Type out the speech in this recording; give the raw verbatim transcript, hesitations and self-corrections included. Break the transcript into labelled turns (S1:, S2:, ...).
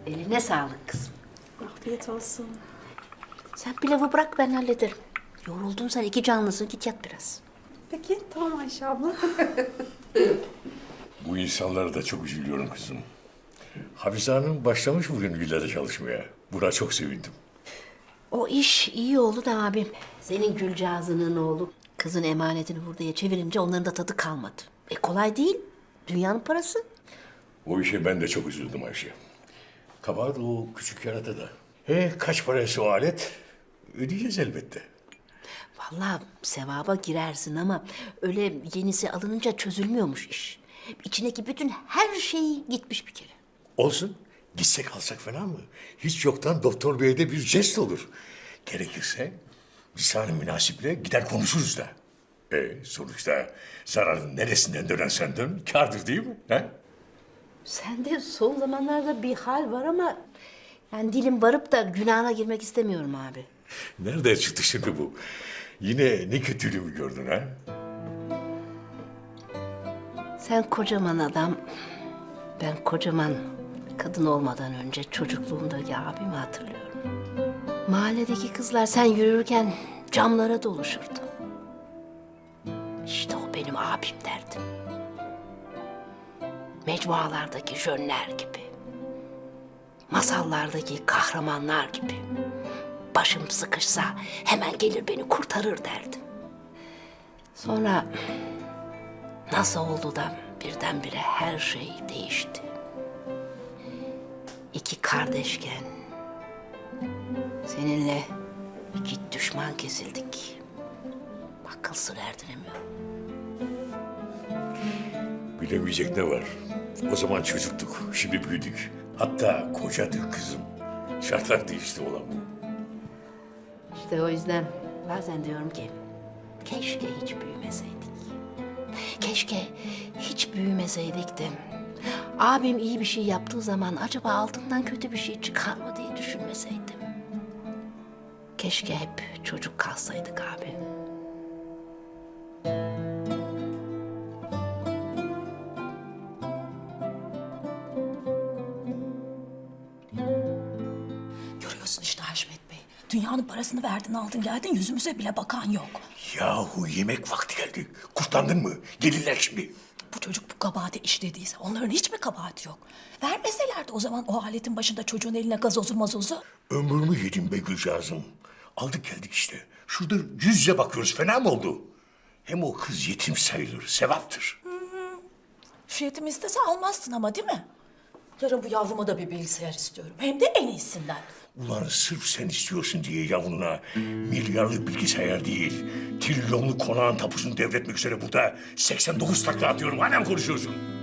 S1: Eline sağlık kızım.
S2: Afiyet olsun.
S1: Sen pilavı bırak ben hallederim. Yoruldun sen iki canlısın git yat biraz.
S2: Peki tamam Ayşe abla.
S3: Bu insanlara da çok üzülüyorum kızım. Hafize Hanım başlamış bugün villada çalışmaya. Buna çok sevindim.
S1: O iş iyi oldu da abim. Senin Gülcağız'ının oğlu kızın emanetini hurdaya çevirince onların da tadı kalmadı. E kolay değil. Dünyanın parası.
S3: O işe ben de çok üzüldüm Ayşe. Kabahat o küçük yaratıda. He, kaç parası o alet? Ödeyeceğiz elbette.
S1: Vallahi sevaba girersin ama öyle yenisi alınınca çözülmüyormuş iş. İçindeki bütün her şey gitmiş bir kere.
S3: Olsun. Gitsek alsak falan mı? Hiç yoktan doktor beye de bir jest olur. Gerekirse lisan-ı münasiple gider konuşuruz da. E sonuçta zararın neresinden dönersen dön kârdır değil mi? He?
S1: Sende son zamanlarda bir hal var ama... yani dilim varıp da günahına girmek istemiyorum abi.
S3: Nerede çıktı şimdi bu? Yine ne kötülüğümü gördün ha?
S1: Sen kocaman adam, ben kocaman kadın olmadan önce çocukluğumdaki abimi hatırlıyorum. Mahalledeki kızlar sen yürürken camlara doluşurdu. İşte o benim abim derdim. Mecmualardaki jönler gibi. Masallardaki kahramanlar gibi. Başım sıkışsa hemen gelir beni kurtarır derdim. Sonra nasıl oldu da birdenbire her şey değişti. İki kardeşken seninle iki düşman kesildik. Akıl sır erdiremiyorum.
S3: Bilemeyecek ne var? O zaman çocuktuk, şimdi büyüdük. Hatta kocadık kızım. Şartlar değişti olan bu.
S1: İşte o yüzden bazen diyorum ki keşke hiç büyümeseydik. Keşke hiç büyümeseydik de abim iyi bir şey yaptığı zaman acaba altından kötü bir şey çıkar mı diye düşünmeseydim. Keşke hep çocuk kalsaydık abi.
S4: Görüyorsun işte Haşmet Bey. Dünyanın parasını verdin aldın geldin yüzümüze bile bakan yok.
S3: Yahu yemek vakti geldi. Kurtlandın mı? Gelirler şimdi.
S4: Bu çocuk bu kabahati işlediyse onların hiç mi kabahati yok? Vermeselerdi o zaman o aletin başında çocuğun eline gazozu mazozu.
S3: Ömrümü yedim be Gülcağız'ım. Aldık geldik işte. Şurada yüz yüze bakıyoruz. Fena mı oldu? Hem o kız yetim sayılır. Sevaptır.
S4: Şu yetimi istese almazsın ama değil mi? Yarın bu yavruma da bir bilgisayar istiyorum. Hem de en iyisinden.
S3: Ulan sırf sen istiyorsun diye yavruna milyarlık bilgisayar değil, trilyonluk konağın tapusunu devretmek üzere burada seksen dokuz takla atıyorum. Hala mı konuşuyorsun?